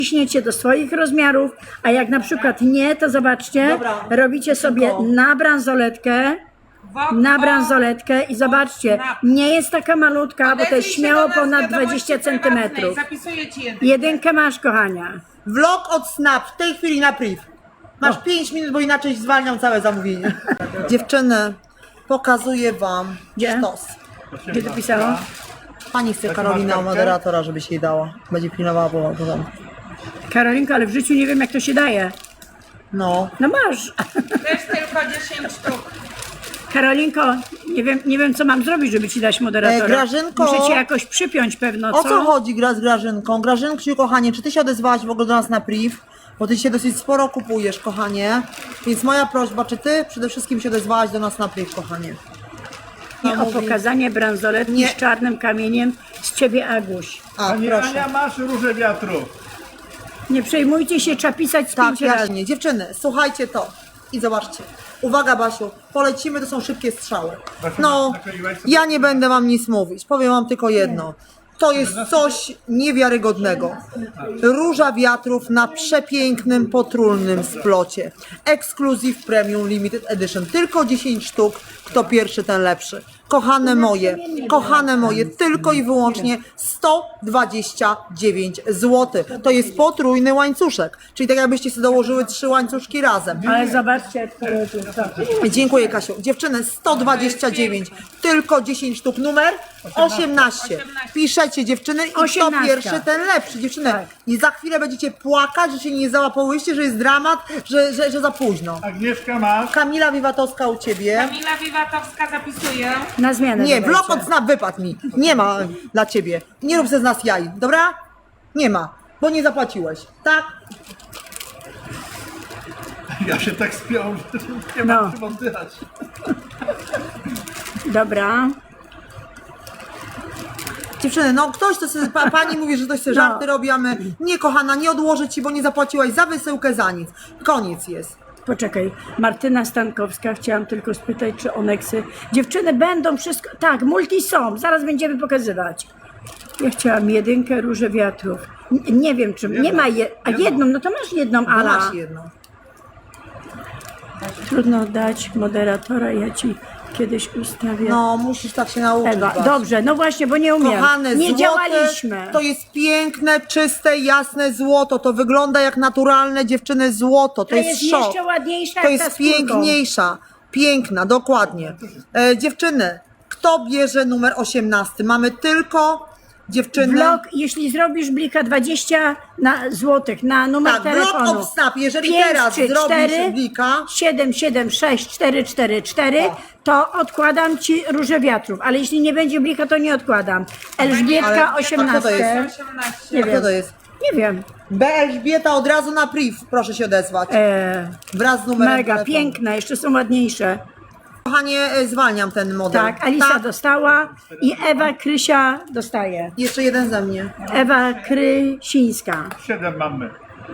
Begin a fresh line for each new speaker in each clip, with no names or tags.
ciśniecie do swoich rozmiarów, a jak na przykład nie, to zobaczcie,
Dobra.
robicie sobie na bransoletkę i zobaczcie, nie jest taka malutka, bo to jest śmiało ponad 20 cm.
Zapisuję ci jedynkę.
Jedynkę masz, kochania.
Vlog od Snap, w tej chwili na priv. Masz 5 minut, bo inaczej zwalniam całe zamówienie. Dziewczyny, pokazuję wam
Gdzie?
sztos.
Gdzie to pisało?
Pani chce Karolina moderatora, żebyś jej dała. Będzie pilnowała porządku.
Karolinko, ale w życiu nie wiem, jak to się daje.
No.
No masz.
Też tylko 10 sztuk.
Karolinko, nie wiem, co mam zrobić, żeby ci dać moderatora.
Grażynko.
Muszę cię jakoś przypiąć pewno,
O co chodzi z Grażynką? Grażynksiu, kochanie, czy ty się odezwałaś w ogóle do nas na priv? Bo ty się dosyć sporo kupujesz, kochanie. Więc moja prośba, czy ty przede wszystkim się odezwałaś do nas na priv, kochanie?
I o pokazanie bransoletki
Nie.
z czarnym kamieniem z ciebie, Aguś.
A,
Pani
proszę.
Ania, masz róże wiatru.
Nie przejmujcie się, trzeba pisać z
Tak,
5 razy.
jaśnie. Dziewczyny, słuchajcie to. I zobaczcie. Uwaga, Basiu, polecimy, to są szybkie strzały.
Basiu,
No,
nakleiłaś sobie-
ja nie będę wam nic mówić. Powiem wam tylko jedno. To jest coś niewiarygodnego. Róża wiatrów na przepięknym, potrójnym splocie. Exclusive Premium Limited Edition. Tylko 10 sztuk. Kto pierwszy, ten lepszy. Kochane moje, tylko i wyłącznie 129 zł. To jest potrójny łańcuszek. Czyli tak jakbyście sobie dołożyły 3 łańcuszki razem.
Ale zobaczcie, jak to jest.
Dziękuję, Kasiu. Dziewczyny, 129, tylko 10 sztuk. Numer 18. Piszecie, dziewczyny, i kto
18.
pierwszy, ten lepszy. Dziewczyny,
Tak.
i za chwilę będziecie płakać, że się nie załapałyście, że jest dramat, że za późno.
Agnieszka, masz.
Kamila Wiwatowska u ciebie.
Kamila Wiwatowska zapisuję.
Na zmianę.
Nie,
dodajcie.
vlog od Snap wypadł mi. Nie ma dla ciebie. Nie rób ze z nas jaj, dobra? Nie ma, bo nie zapłaciłeś. Tak?
Ja się tak spiął, że nie
No.
mam czym oddychać.
Dobra.
Dziewczyny, no ktoś to sobie, pani mówi, że ktoś sobie
No.
żarty robi, a my, nie kochana, nie odłożę ci, bo nie zapłaciłaś za wysyłkę, za nic. Koniec jest.
Poczekaj, Martyna Stankowska, chciałam tylko spytać, czy Oneksy. Dziewczyny będą wszystko. Tak, multi są, zaraz będziemy pokazywać. Ja chciałam jedynkę róże wiatrów. Nie wiem, czy. Nie ma jedną, no to masz jedną,
No
Ala.
masz jedną.
Trudno dać moderatora, ja ci kiedyś ustawię.
No, musisz tak się nauczyć.
Ewa,
Basiu.
dobrze, no właśnie, bo nie umiem.
Kochane,
Nie
złote,
działaliśmy.
to jest piękne, czyste, jasne złoto. To wygląda jak naturalne, dziewczyny, złoto. To
Ta
jest
jest
szok.
jeszcze ładniejsza
To
jak ta
jest
skórką.
piękniejsza. Piękna, dokładnie. Dziewczyny, kto bierze numer 18? Mamy tylko dziewczyny.
Vlog, jeśli zrobisz blika 20 złotych na numer
Tak, vlog
telefonu.
of Snap. Jeżeli
5,
teraz
3,
zrobisz
4,
blika,
77644,
O.
to odkładam ci róże wiatrów, ale jeśli nie będzie blika, to nie odkładam. Elżbietka
Ale- a kto to
18.
jest?
18.
Nie
kto
wiem.
to jest?
Nie wiem.
B. Elżbieta od razu na priv, proszę się odezwać. Wraz z numerem
Mega,
telefonu.
piękne, jeszcze są ładniejsze.
Kochanie, zwalniam ten model.
Tak, Alisa dostała i Ewa Krysia dostaje.
Jeszcze jeden ze mnie.
Ewa Krysińska.
7 mamy.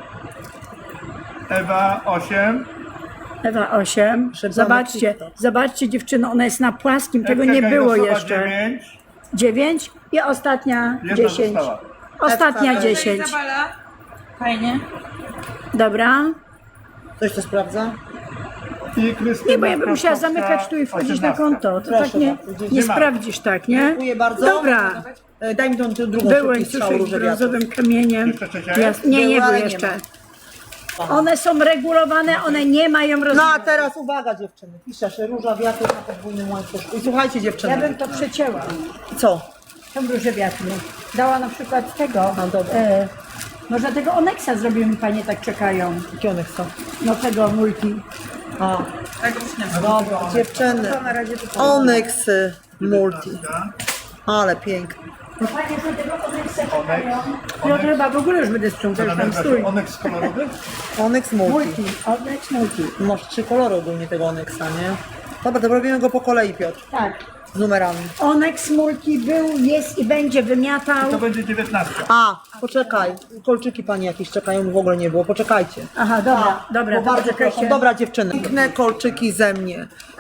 Ewa 8.
Ewa 8.
Szybko
Zobaczcie,
na TikTok.
zobaczcie dziewczyny, ona jest na płaskim, tego
Ewka
nie było
Gajdosowa
jeszcze.
9.
9 i ostatnia
Jedna
10.
została.
Ostatnia
Ewka,
10.
Izabela. Fajnie.
Dobra.
Ktoś to sprawdza?
I Krystyna
Nie, bo ja bym musiała
Krakowska,
zamykać tu i wchodzić na
18.
konto. To
Proszę
tak nie,
bardzo,
nie
nie ma.
sprawdzisz tak, nie?
Dziękuję bardzo.
Dobra.
Daj mi tą drugą
Były
szybki strzał
suszy
róże wiatru.
brązowym kamieniem.
Jeszcze trzecia jest?
Nie
Były,
były
ale nie
jeszcze.
ma.
One są regulowane, one nie mają
No
rozmiaru.
a teraz uwaga dziewczyny, piszesz róża wiatru na podwójnym łańcuszku. I słuchajcie dziewczyny.
Ja bym to przecięła.
Co?
Tą różę wiatru. Dała na przykład tego.
No dobra.
Może tego Oneksa zrobimy, panie tak czekają.
Jakie one chcą?
No tego multi.
A,
Tego już nie ma.
dobra, dziewczyny.
To na razie to
Onyxy Multi. Ale piękne.
No panie, że tego Oneksa czekają. No to chyba w ogóle już będę sprzątać tam stój.
Onyx kolorowy?
Onyx Multi.
Multi, Onyx multi.
Masz 3 kolory ogólnie tego Onyxa, nie? Dobra, to robimy go po kolei, Piotr.
Tak.
Z numerami.
Onyx multi był, jest i będzie wymiatał.
To będzie 19.
A, poczekaj. Kolczyki pani jakieś czekają, bo w ogóle nie było. Poczekajcie.
Aha, dobra, dobra,
Bo
to
bardzo
poczekajcie.
proszę. Dobra dziewczyny. Piękne kolczyki ze mnie.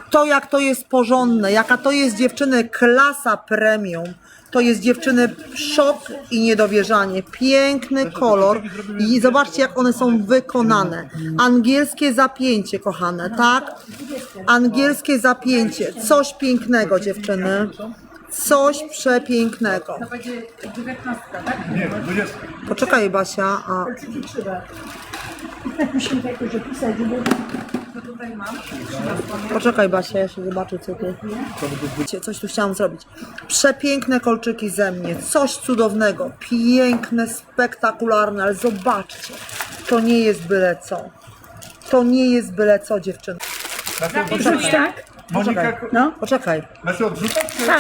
To jak to jest porządne, jaka to jest dziewczyny klasa premium. To jest dziewczyny szok i niedowierzanie. Piękny kolor i zobaczcie jak one są wykonane. Angielskie zapięcie, kochane, tak? Angielskie zapięcie. Coś pięknego, dziewczyny. Coś przepięknego.
To będzie 19, tak?
Nie, 20.
Poczekaj, Basia. A,
Kolczyki trzeba. Musimy to jakoś opisać, żeby... To tutaj mam.
poczekaj, Basia, ja się zobaczę, co tu. Coś tu chciałam zrobić. Przepiękne kolczyki ze mnie. Coś cudownego. Piękne, spektakularne, ale zobaczcie. To nie jest byle co. To nie jest byle co, dziewczyny.
Zapisuję.
Tak?
Monika,
No.
Poczekaj.
znaczy odrzucać czy?
Tak.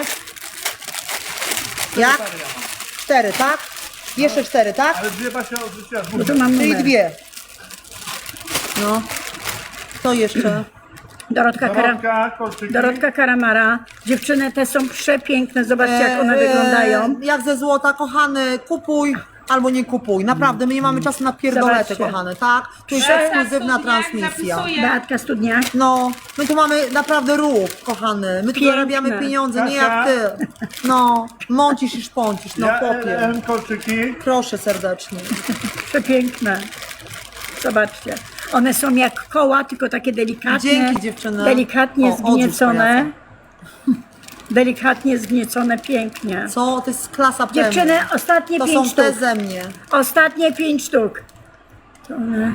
Jak? 4, tak? Jeszcze 4, tak?
Ale dwie Basia odrzuciła
Bo
dwóch.
tu mam
Czyli
numer.
2. No. To jeszcze.
Kolczyki.
Dorotka Karamara. Dziewczyny te są przepiękne. Zobaczcie jak one wyglądają.
Jak ze złota, kochany, kupuj albo nie kupuj. Naprawdę, my nie mamy czasu na pierdolety,
Zobaczcie.
kochane, tak? To jest
Beata
ekskluzywna
Studniak
transmisja.
zapisuje.
Beatka Studniak.
No, my tu mamy naprawdę ruch, kochany. My tu
Piękne.
zarabiamy pieniądze, nie
Kasia?
jak ty. No, mącisz i szpącisz, no
Ja
popie.
LM kolczyki.
Proszę serdecznie.
Przepiękne. Zobaczcie. One są jak koła, tylko takie delikatne.
Dzięki, dziewczyny.
Delikatnie
O, odrzuć
zgniecone. Delikatnie zgniecone, pięknie.
Co? To jest klasa premium.
Dziewczyny, ostatnie
To
5
są te
sztuk.
ze mnie.
Ostatnie 5 sztuk. To one...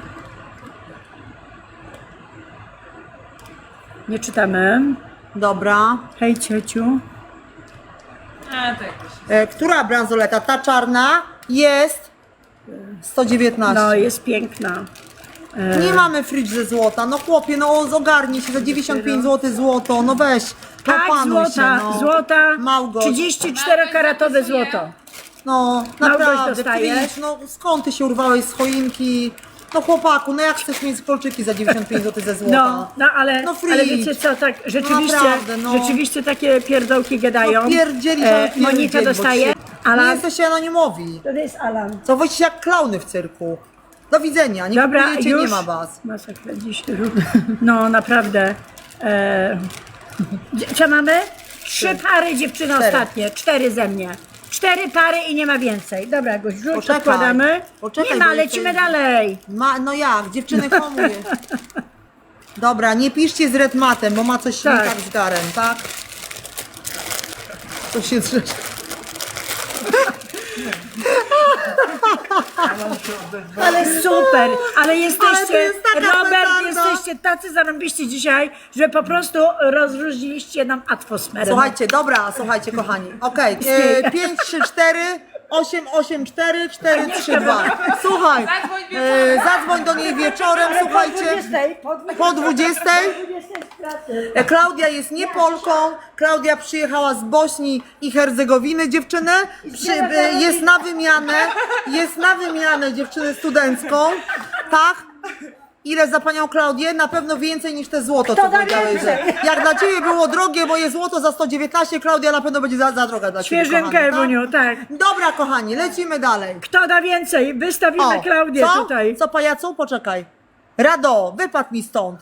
Nie czytamy.
Dobra.
Hej ciociu.
A, to jakoś.
Która bransoleta? Ta czarna jest 119.
No, jest piękna.
Nie mamy fridge ze złota. No chłopie, no ogarnij się za 95 zł złoto. No weź,
Tak,
opanuj
złota,
się, no.
złota,
Małgoś.
34-karatowe złoto.
No,
Małgoś
naprawdę,
dostajesz?
fridge, no skąd ty się urwałeś z choinki? No chłopaku, no jak chcesz mieć kolczyki za 95 zł ze złota?
No, ale,
No
ale
fridge.
wiecie co, tak rzeczywiście,
Naprawdę, no.
rzeczywiście takie pierdołki gadają.
No pierdzielisz, ale
Monika
pierdziel,
dostaje,
Nie
Alan,
jesteście anonimowi.
to jest Alan.
Co wyjście jak klauny w cyrku. Do widzenia, nie
Dobra,
kupujecie,
już.
nie ma was.
Masakra dziś. No naprawdę. Co mamy? 3 pary dziewczyny
4.
ostatnie, 4 ze mnie. 4 pary i nie ma więcej. Dobra, go rzuć,
Poczekaj,
odkładamy.
poczekaj,
Nie ma,
bo
lecimy
jeszcze-
dalej.
No jak, dziewczyny hamuje. Dobra, nie piszcie z redmatem, bo ma coś nie
Tak.
tak z garem, tak? To się drzesz.
Ale super, ale jesteście,
to jest taka
Robert,
petarda.
jesteście tacy zarąbiści dzisiaj, że po prostu rozróżniliście nam atmosferę.
Słuchajcie, dobra, słuchajcie kochani. Okej, 5, 3, 4, 8, 8, 4, 4, 3, 2. Słuchaj,
Zadzwoń wieczorem.
zadzwoń do niej wieczorem, słuchajcie. Po 20. Klaudia jest nie Polką, Klaudia przyjechała z Bośni i Hercegowiny, dziewczyny, jest na wymianę dziewczynę studencką, tak? Ile za panią Klaudię? Na pewno więcej niż te złoto, co
da
powiedziałeś, że
więcej?
jak dla ciebie było drogie, bo jest złoto za 119, Klaudia na pewno będzie za droga dla ciebie,
Świeżynkę,
kochani,
Ewuniu, tak.
Dobra, kochani, lecimy dalej.
Kto da więcej? Wystawimy Klaudię
co?
tutaj.
Co, pajacu? Poczekaj. Rado, wypadł mi stąd.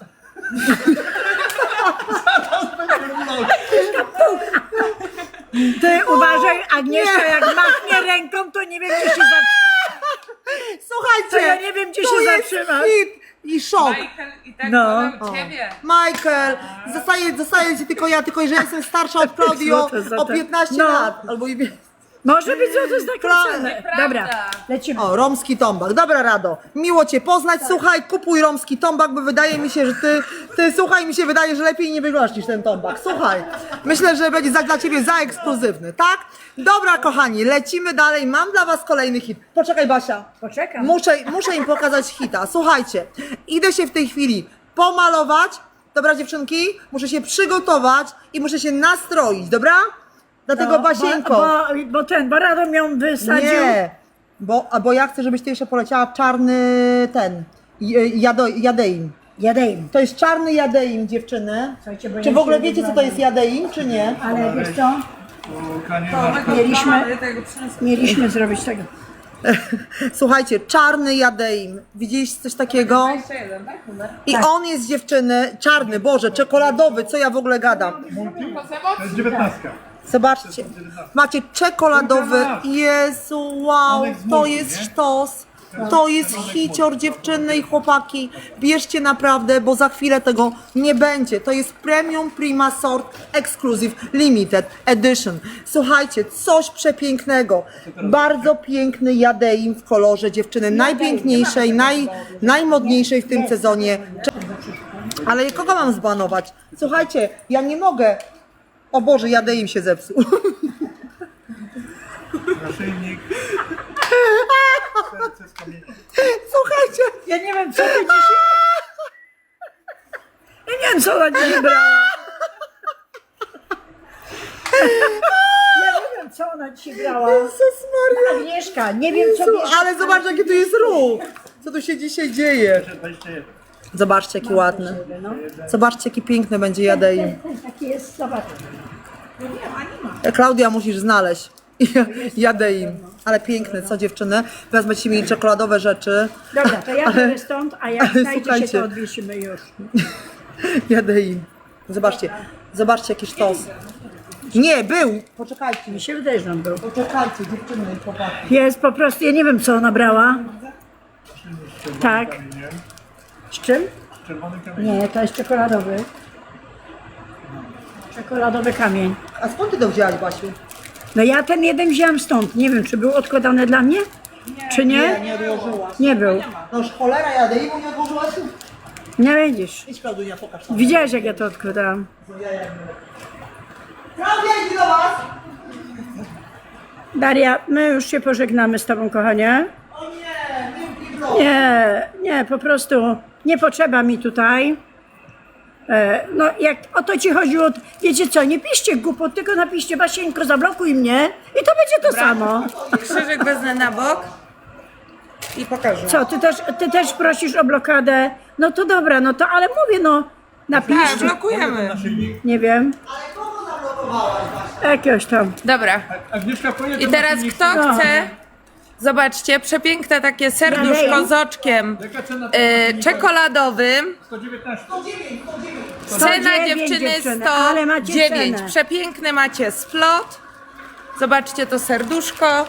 Ty uważaj, Agnieszka, jak machnie ręką, to nie wiem, gdzie się
Słuchajcie,
To ja nie wiem, gdzie
tu
się
jest
zatrzymać.
hit i szok.
Michael i tak
No.
wolę ciebie.
Michael, zostaje ci tylko ja, tylko że jestem starsza od Klaudii
Złote.
o 15
No.
lat. Albo i
Może być złoto znakręcone.
Nieprawda.
Dobra, lecimy.
O, romski tombak. Dobra, Rado. Miło cię poznać. Słuchaj, kupuj romski tombak, bo wydaje mi się, że ty słuchaj, mi się wydaje, że lepiej nie wyglądasz niż ten tombak. Słuchaj, myślę, że będzie dla ciebie za ekskluzywny, tak? Dobra, kochani, lecimy dalej. Mam dla was kolejny hit. Poczekaj, Basia.
Poczekam.
Muszę im pokazać hita. Słuchajcie, idę się w tej chwili pomalować. Dobra, dziewczynki? Muszę się przygotować i muszę się nastroić, dobra? Dlatego, Basieńko.
Bo Radom ją wysadził.
Nie, bo ja chcę, żebyś ty jeszcze poleciała czarny ten, jadeim.
Jadeim.
To jest czarny jadeim, dziewczyny.
Słuchajcie, bo
Czy
ja
w ogóle
się
wiecie, co to
wyglądam.
jest jadeim, czy nie?
Ale wiesz co?
Polka nie ma.
Mieliśmy zrobić tego.
Słuchajcie, czarny jadeim. Widzieliście coś takiego?
21, tak? Numer?
I on jest dziewczyny, czarny, Boże, czekoladowy, co ja w ogóle gadam.
To jest 19.
Zobaczcie, macie czekoladowy, Jezu, wow,
Onyx
to
multi,
jest
nie?
sztos, to jest hicior, dziewczyny i chłopaki, bierzcie naprawdę, bo za chwilę tego nie będzie, to jest Premium Prima Sort Exclusive Limited Edition. Słuchajcie, coś przepięknego, bardzo piękny jadeim w kolorze, dziewczyny, najpiękniejszej, najmodniejszej w tym sezonie. Ale kogo mam zbanować? Słuchajcie, ja nie mogę. O Boże, jadeim się zepsuł.
Naszyjnik. Serce z kamienia.
Słuchajcie,
Ja nie wiem, co ty dzisiaj... Ja nie wiem, co ona dzisiaj brała. Ja nie wiem, co ona dzisiaj brała.
Jezus Maria.
Agnieszka, nie wiem, co bierze.
Ale zobacz, jaki tu jest ruch. Co tu się dzisiaj dzieje?
21.
Zobaczcie, jaki ładny. Zobaczcie, jaki piękny będzie jadeim.
Taki jest, zobacz.
Klaudia, musisz znaleźć. Jadeim. Ale piękny, co dziewczyny? Teraz będziecie mieli czekoladowe rzeczy.
Dobra, to ja biorę stąd, a jak
ale
znajdzie się,
słuchajcie.
to odwiesimy już.
Jadeim. Zobaczcie, zobaczcie, jaki sztos. Nie, był. Poczekajcie.
Mi się wydaje, że on był.
Poczekajcie, dziewczyny i chłopaki.
Jest po prostu, ja nie wiem, co ona brała. Tak.
Kamieniem.
Z czym?
Czerwony kamień.
Nie, to jest czekoladowy. Czekoladowy kamień.
A skąd ty to wzięłaś, Basiu?
No ja ten jeden wziąłem stąd. Nie wiem, czy był odkładany dla mnie? Czy nie?
Nie odłożyłaś.
Nie był.
No już cholera, jadeimu nie odłożyłaś?
Nie widzisz.
Idź, Klaudunia, pokaż tam.
Widziałeś, jak ja to odkładałam.
Klaudia, idzie do was!
Daria, my już się pożegnamy z tobą, kochanie.
O nie, nie,
Nie, po prostu nie potrzeba mi tutaj. No jak o to ci chodziło, wiecie co, nie piszcie głupot, tylko napiszcie Basieńko, zablokuj mnie i to będzie to samo.
Krzyżyk wezmę na bok i pokażę.
Co, ty też prosisz o blokadę? No to dobra, no to ale mówię, no
Tak,
napiszcie.
blokujemy.
Naszyjnik.
Nie wiem,
Ale kogo zablokowałaś, Basia?
jakiegoś tam.
Dobra.
Agnieszka, powiedz
I teraz kto chce? Zobaczcie, przepiękne takie serduszko
Dalej.
z oczkiem
Jaka cena?
czekoladowym.
119.
Cena
109
dziewczyny
dziewczyny, ale macie
109.
cenę.
Przepiękny macie splot. Zobaczcie to serduszko.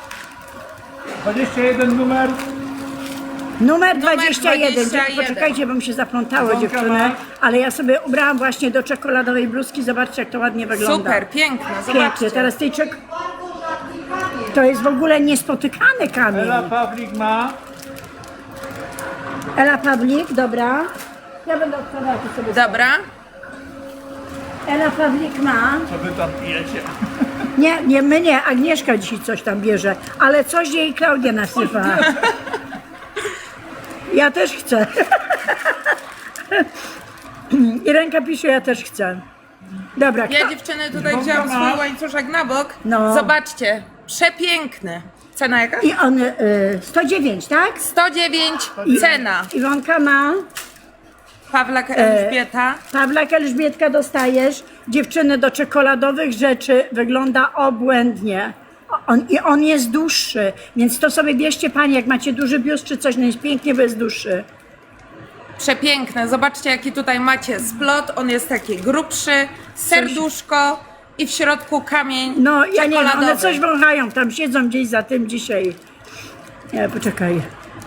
21 numer.
Numer 21.
21.
Poczekajcie, bo mi się zaplątało dziewczyny, ale ja sobie ubrałam właśnie do czekoladowej bluzki. Zobaczcie, jak to ładnie wygląda.
Super, piękne.
Pięknie.
Zobaczcie.
Teraz tej to jest w ogóle niespotykany kamień.
Ela Pawlik ma.
Ela Pawlik, dobra. Ja będę odkładała to sobie.
Dobra.
Ela Pawlik ma.
Co wy tam pijecie?
Nie, my nie. Agnieszka dzisiaj coś tam bierze, ale coś jej Klaudia nasypa. Ja też chcę. I ręka pisze, ja też chcę. Dobra,
Ja dziewczyny tutaj
Bąka
wzięłam
ma.
swój łańcuszek na bok.
No.
Zobaczcie, przepiękny. Cena jaka?
i on 109, tak?
109 cena.
Iwonka ma.
Pawlak Elżbieta.
Pawlak Elżbietka dostajesz. Dziewczyny do czekoladowych rzeczy wygląda obłędnie. On jest dłuższy, więc to sobie bierzcie panie, jak macie duży biust czy coś, no jest pięknie, bo jest dłuższy.
Przepiękne. Zobaczcie jaki tutaj macie splot. On jest taki grubszy. Serduszko i w środku kamień
No ja nie wiem,
czekoladowy.
one coś wąchają, tam siedzą gdzieś za tym dzisiaj. Nie, poczekaj.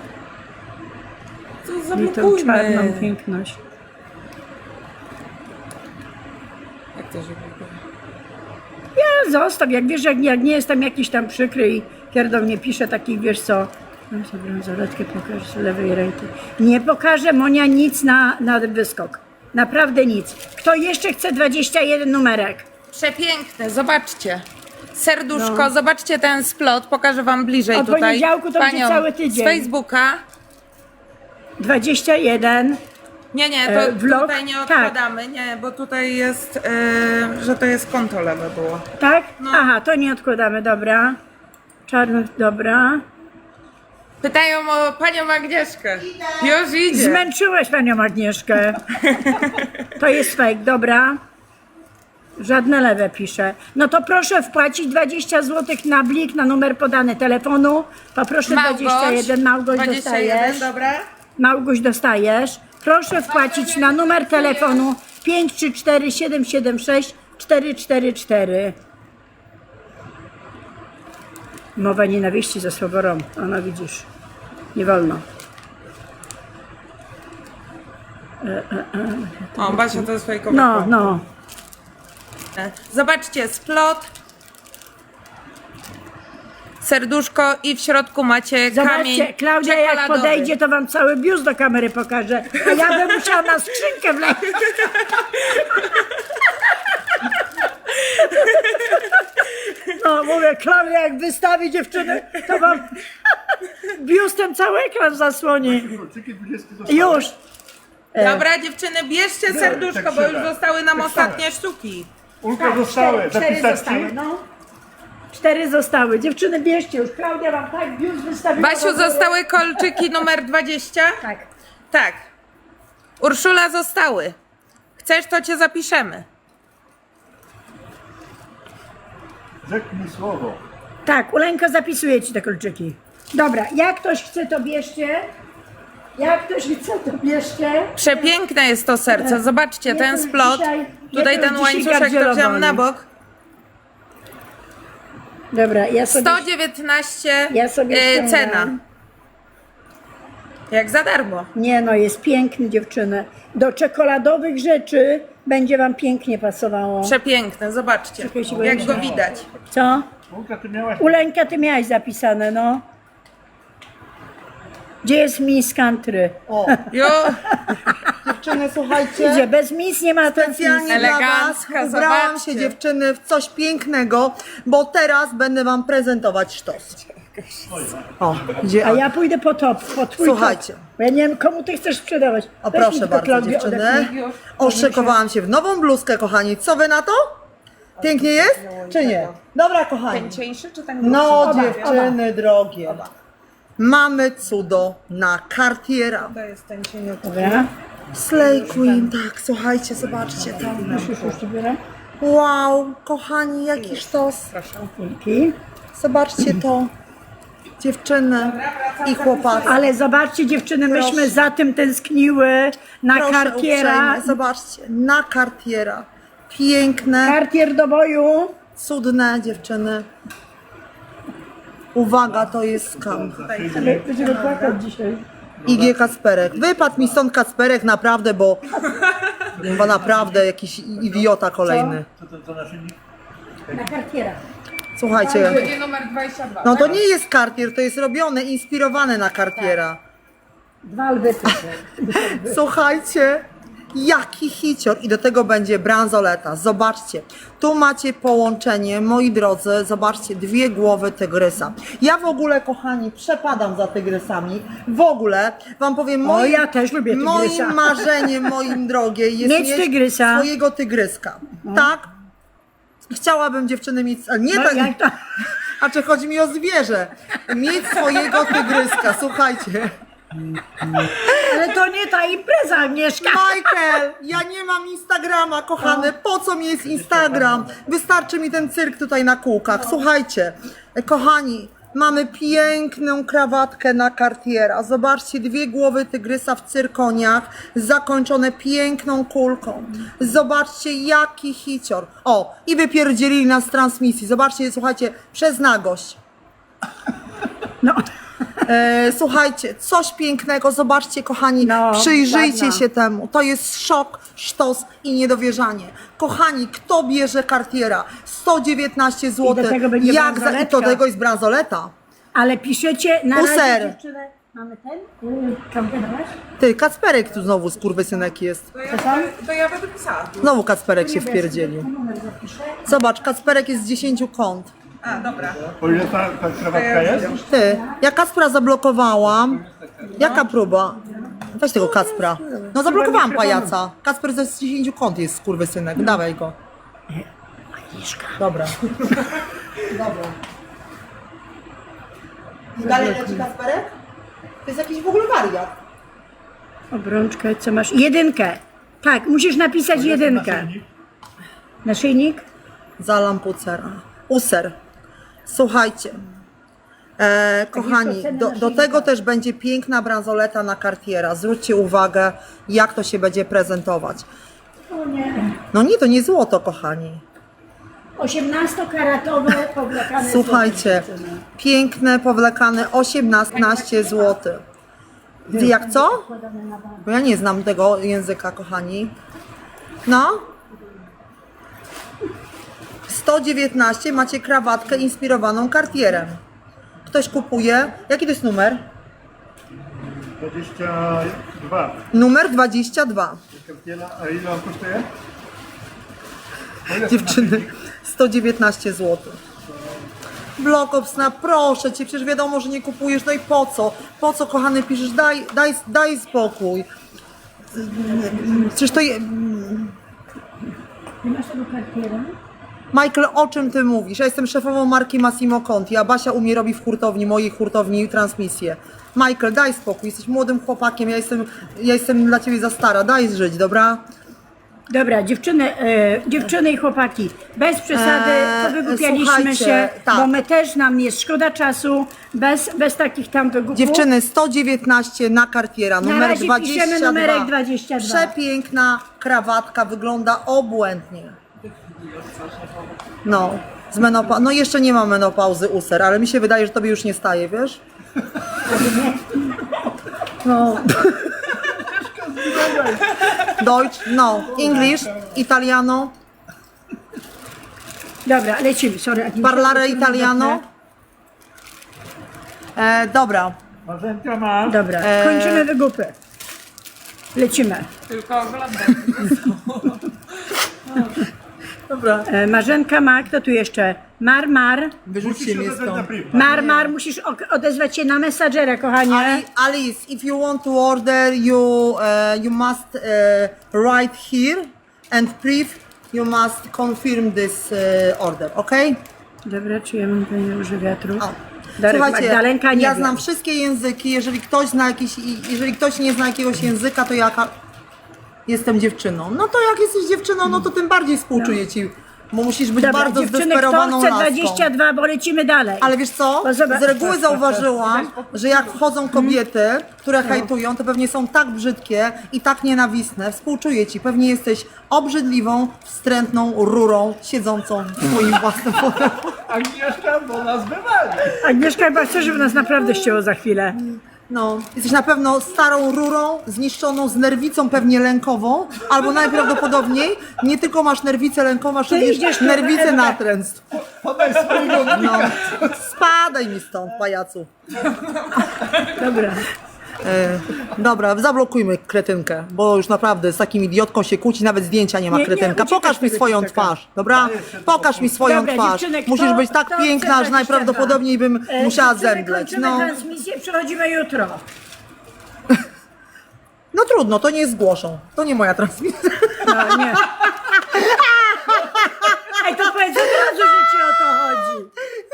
To
I tą
zablokujmy.
czarną piękność.
Jak to się blokuje?
Ja zostaw, jak wiesz, jak nie jestem jakiś tam przykry i pierdol nie pisze takich, wiesz co. No sobie bransoletkę pokażę z lewej ręki. Nie pokażę Monia nic na wyskok. Naprawdę nic. Kto jeszcze chce 21 numerek?
Przepiękne, zobaczcie. Serduszko,
No.
zobaczcie ten splot, pokażę wam bliżej
Od
tutaj.
poniedziałku to będzie
Panią
cały tydzień.
z Facebooka.
21.
Nie, to
Vlog?
tutaj nie odkładamy, nie, bo tutaj jest, że to jest konto lewe było.
Tak?
No.
Aha, to nie odkładamy, dobra. Czarny, dobra.
Pytają o panią Agnieszkę. Już idzie.
Zmęczyłeś panią Agnieszkę. To jest fake, dobra. Żadne lewe pisze. No to proszę wpłacić 20 zł na blik, na numer podany telefonu. Poproszę 21. Małgoś
21,
dostajesz.
dobra.
Małgoś dostajesz. Proszę wpłacić na numer telefonu 534 776 444. Mowa nienawiści ze słoworą. Ona widzisz. Nie wolno.
O, Basia to swojego
No.
Zobaczcie, splot, serduszko i w środku macie kamień
Zobaczcie, Klaudia jak
czekoladowy.
podejdzie, to wam cały biust do kamery pokaże. A ja bym musiała na skrzynkę wleźć. No mówię, Klaudia jak wystawi dziewczyny, to wam biustem cały ekran zasłoni.
Kluczyki 20 zostały.
Już.
Dobra, dziewczyny, bierzcie serduszko,
tak
bo już
trzeba.
zostały nam
Tak
ostatnie sztuki.
Ulka zostały.
Cztery
Zapisać
zostały,
ci?
no. 4 zostały. Dziewczyny, bierzcie już. Klaudia wam tak biust wystawiła.
Basiu, zostały kolczyki numer 20?
Tak.
Tak. Urszula, zostały. Chcesz, to cię zapiszemy.
Rzeknij słowo.
Tak, Uleńko zapisuje ci te kolczyki. Dobra, jak ktoś chce, to bierzcie. Jak ktoś chce, to bierzcie.
Przepiękne jest to serce. Zobaczcie,
Nie,
ten
to
splot.
dzisiaj-
Tutaj
nie, to
ten
dzisiaj
łańcuszek to
gardzielowa
wziąłem na
jest.
bok.
Dobra, ja sobie...
119
Ja sobie ściągam.
cena. Jak za darmo.
Nie no, jest piękny, dziewczyny. Do czekoladowych rzeczy będzie wam pięknie pasowało.
Przepiękne, zobaczcie.
Czekajcie, bo
Jak
ja
go
się-
widać.
Co?
Ulka, ty miałaś...
Uleńka, ty miałaś zapisane, no. Gdzie jest Miss Country?
O,
Jo,
dziewczyny, słuchajcie.
Gdzie? Bez Miss nie ma ten
Specjalnie dla was
Elegancka,
ubrałam
zobaczcie.
się, dziewczyny, w coś pięknego, bo teraz będę wam prezentować sztos. O, gdzie?
A ja pójdę po twój
Słuchajcie.
top. Bo ja nie wiem, komu ty chcesz sprzedawać.
O,
Weź mi
proszę
tylko,
bardzo,
Klaudię,
dziewczyny.
odepnij.
Oszykowałam się w nową bluzkę, kochani. Co wy na to? Pięknie jest? Czy nie? Dobra, kochani.
ten cieńszy czy ten
No,
grubszy?
dziewczyny drogie. Mamy cudo na Cartiera.
To jest ten cieniutki.
Dobra.
Slay Queen, tak, słuchajcie, zobaczcie to.
Już ci biorę.
Wow, kochani, jaki sztos.
Dzięki.
Zobaczcie to. Dziewczyny i chłopacy.
Ale zobaczcie, dziewczyny, myśmy
Proszę.
za tym tęskniły na
Proszę
Cartiera.
uprzejmie, zobaczcie, na Cartiera. Piękne,
Cartier do boju.
cudne dziewczyny. Uwaga, to jest skam.
Ale będziemy płakać dzisiaj.
IG Kacperek. Wypadł mi stąd Kacperek naprawdę, bo naprawdę jakiś idiota kolejny.
Co naszyjnik?
Na Cartiera.
Słuchajcie,
Będzie numer 22.
no to nie jest Cartier, to jest robione, inspirowane na Cartiera.
2 lwy.
Słuchajcie, jaki hicior i do tego będzie bransoleta. Zobaczcie, tu macie połączenie, moi drodzy, zobaczcie, 2 głowy tygrysa. Ja w ogóle, kochani, przepadam za tygrysami. W ogóle wam powiem,
O, ja też lubię tygrysa.
moim marzeniem, moim drogie, jest
Mieć tygrysa.
swojego tygryska. Tak? Chciałabym dziewczyny mieć, ale nie
No,
tak,
jak to?
a czy chodzi mi o zwierzę, mieć swojego tygryska, słuchajcie.
Ale to nie ta impreza, Agnieszka.
Michael, ja nie mam Instagrama, kochany. Po co mi jest Instagram? Wystarczy mi ten cyrk tutaj na kółkach. Słuchajcie, kochani, mamy piękną krawatkę na Cartiera. Zobaczcie, 2 głowy tygrysa w cyrkoniach, zakończone piękną kulką. Zobaczcie, jaki hicior. O, i wypierdzielili nas z transmisji. Zobaczcie, słuchajcie, przez nagość.
No.
Słuchajcie, coś pięknego, zobaczcie kochani,
No,
przyjrzyjcie
ładna.
się temu, to jest szok, sztos i niedowierzanie. Kochani, kto bierze Cartiera? 119 zł.
I do tego będzie
I do
bransoletka.
tego jest bransoleta.
Ale piszecie na
Puser.
razie, dziewczyny. Mamy ten? Kamperować?
Ty, Kacperek tu znowu skurwysynek jest.
To ja będę pisała.
Znowu Kacperek się wpierdzielił.
Numer zapiszę.
Zobacz, Kacperek jest z 10 kąt.
A, dobra.
O ile ta krawatka jest?
Ty, ja Kacpra zablokowałam. Jaka próba? Weź tego Kacpra. No zablokowałam pajaca. Kacper ze 10 kąt jest skurwysynek. Dawaj go. Dobra. Dobra. Dalej leci Kacperek? To jest jakiś w ogóle wariat.
Obrączkę, co masz? 1. Tak, musisz napisać 1. Naszyjnik?
Za lampucera. User. Słuchajcie. Kochani, do tego też będzie piękna bransoleta na Cartiera. Zwróćcie uwagę, jak to się będzie prezentować.
O nie.
No nie, to nie złoto, kochani.
18-karatowe powlekane.
Słuchajcie, piękne, powlekane 18 zł. Jak co? Bo ja nie znam tego języka, kochani. No. 119 macie krawatkę inspirowaną Cartierem. Ktoś kupuje. Jaki to jest numer?
22.
Numer 22.
A ile on kosztuje? O ile
Dziewczyny, 119 zł. Blokopsna, proszę cię, przecież wiadomo, że nie kupujesz, no i po co? Po co, kochany, piszesz? Daj spokój. Przecież to...
Nie masz tego Cartiera?
Michael, o czym ty mówisz? Ja jestem szefową marki Massimo Conti, a Basia u mnie robi w hurtowni, mojej hurtowni transmisję. Michael, daj spokój, jesteś młodym chłopakiem, ja jestem dla ciebie za stara, daj żyć, dobra?
Dobra, dziewczyny i chłopaki, bez przesady, wygłupialiśmy
słuchajcie,
się,
tak.
bo my też, nam jest szkoda czasu, bez takich tam wygłupów.
Dziewczyny, 119 na Cartiera,
Na
numer
razie
22.
piszemy numerek 22.
Przepiękna krawatka, wygląda obłędnie. No, no jeszcze nie ma menopauzy user, ale mi się wydaje, że tobie już nie staje, wiesz? No. Deutsch, no. English, Italiano,
Dobra, lecimy, sorry.
parlare italiano. Dobra.
Marzenka ma.
Dobra, kończymy wygłupy. Lecimy.
Tylko oglądam.
Dobra.
Marzenka ma, kto tu jeszcze? Mar.
Wyrzućcie mnie stąd.
Mar, musisz odezwać się na Messengera, kochanie.
Alice, if you want to order, you must write here and brief. You must confirm this order, okay?
Dobra, czy ja mam tutaj róże wiatru?
O.
Darek,
Słuchajcie,
Magdalenka nie
ja
wie.
znam wszystkie języki. Jeżeli ktoś nie zna jakiegoś języka, to ja jestem dziewczyną. No to jak jesteś dziewczyną, no to tym bardziej współczuję ci, bo musisz być
Dobra,
bardzo
dziewczyny,
zdesperowaną
kto chce
laską.
22, bo lecimy dalej.
Ale wiesz co?
No zobacz.
Z reguły zauważyłam, że jak wchodzą kobiety, które hejtują, to pewnie są tak brzydkie i tak nienawistne. Współczuję ci. Pewnie jesteś obrzydliwą, wstrętną rurą siedzącą w swoim własnym fotelu.
Agnieszka, bo nas wywali.
Agnieszka chyba chce, żeby nas naprawdę ścięło za chwilę.
No, jesteś na pewno starą rurą, zniszczoną z nerwicą pewnie lękową, albo najprawdopodobniej nie tylko masz nerwicę lękową, masz również
idziesz tu,
nerwicę
Ewa.
natręstw.
Podaj swojego
No, spadaj mi stąd, pajacu.
Dobra.
Dobra, zablokujmy kretynkę, bo już naprawdę z takim idiotką się kłóci, nawet zdjęcia nie ma
Nie,
kretynka.
uciekasz
Pokaż mi
tego
swoją
dzieciaka.
twarz, dobra? Pokaż mi swoją
Dobra,
twarz.
dziewczyny, kto-
Musisz być tak
kto
piękna,
chce
że
22?
najprawdopodobniej bym musiała
Dziewczyny,
zemdleć.
kończymy
No.
transmisję, przechodzimy jutro.
No trudno, to nie zgłoszą. To nie moja transmisja.
No, nie. Ej, to powiedz od razu, że ci o to chodzi.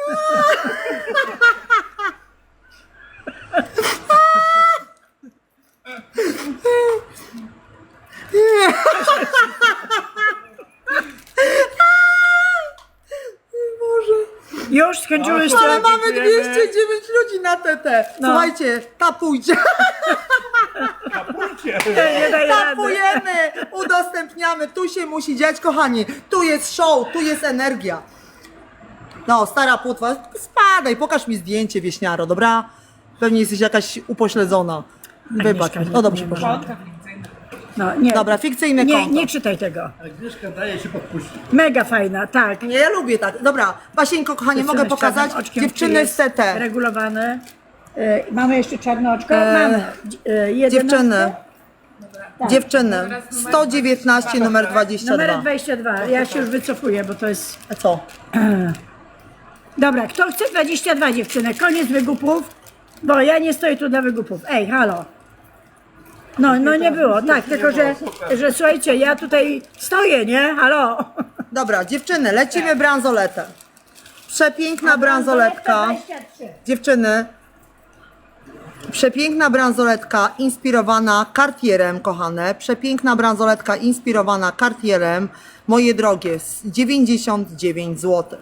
Już skończyłyście?
Ale mamy
Dziękujemy.
209 ludzi na TT.
No.
Słuchajcie, tapujcie.
Kapujcie.
Nie daję rady.
Tapujemy, udostępniamy. Tu się musi dziać, kochani. Tu jest show, tu jest energia. No, stara płotwa, spadaj, pokaż mi zdjęcie, wieśniaro, dobra? Pewnie jesteś jakaś upośledzona. Wybacz.
Agnieszka,
No dobrze,
nie
proszę.
Konta fikcyjne.
No, nie.
Dobra, fikcyjne
Nie,
konto.
nie czytaj tego.
Agnieszka daje się podpuścić.
Mega fajna, tak.
Nie, ja lubię tak. Dobra, Basieńko, kochanie, mogę
Dziewczyny z czarnym
pokazać?
oczkiem,
Dziewczyny
czy jest
z TT.
regulowane. Mamy jeszcze czarne oczko? Mamy.
Dziewczyny.
Tak.
Dziewczyny. 119, numer 22.
Numer 22. Ja się już wycofuję, bo to jest...
A co?
Dobra, kto chce 22, dziewczyny? Koniec wygupów, bo ja nie stoję tu dla wygupów. Ej, halo. No nie było, tak, tylko że słuchajcie, ja tutaj stoję, nie? Halo.
Dobra, dziewczyny, lecimy bransoletę. Przepiękna bransoletka.
23.
Dziewczyny, Przepiękna bransoletka inspirowana Cartierem, kochane. Przepiękna bransoletka inspirowana Cartierem. Moje drogie, 99 zł.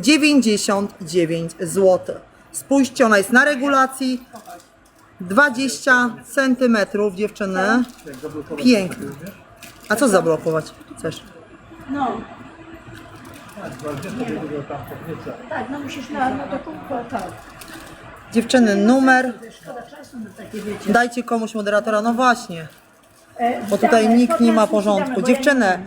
99 zł. Spójrzcie, ona jest na regulacji. 20 cm, dziewczyny. Piękna. A co zablokować chcesz?
No. Tak, no musisz do kubka, tak.
Dziewczyny, numer.
Szkoda czasu na takie, wiecie.
Dajcie komuś moderatora, no właśnie. Bo tutaj nikt nie ma porządku. Dziewczyny,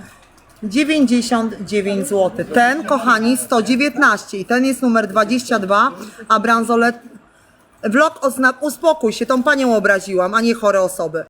99 zł. Ten, kochani, 119 i ten jest numer 22, a bransolet... Vlog uspokój się, tą panią obraziłam, a nie chore osoby.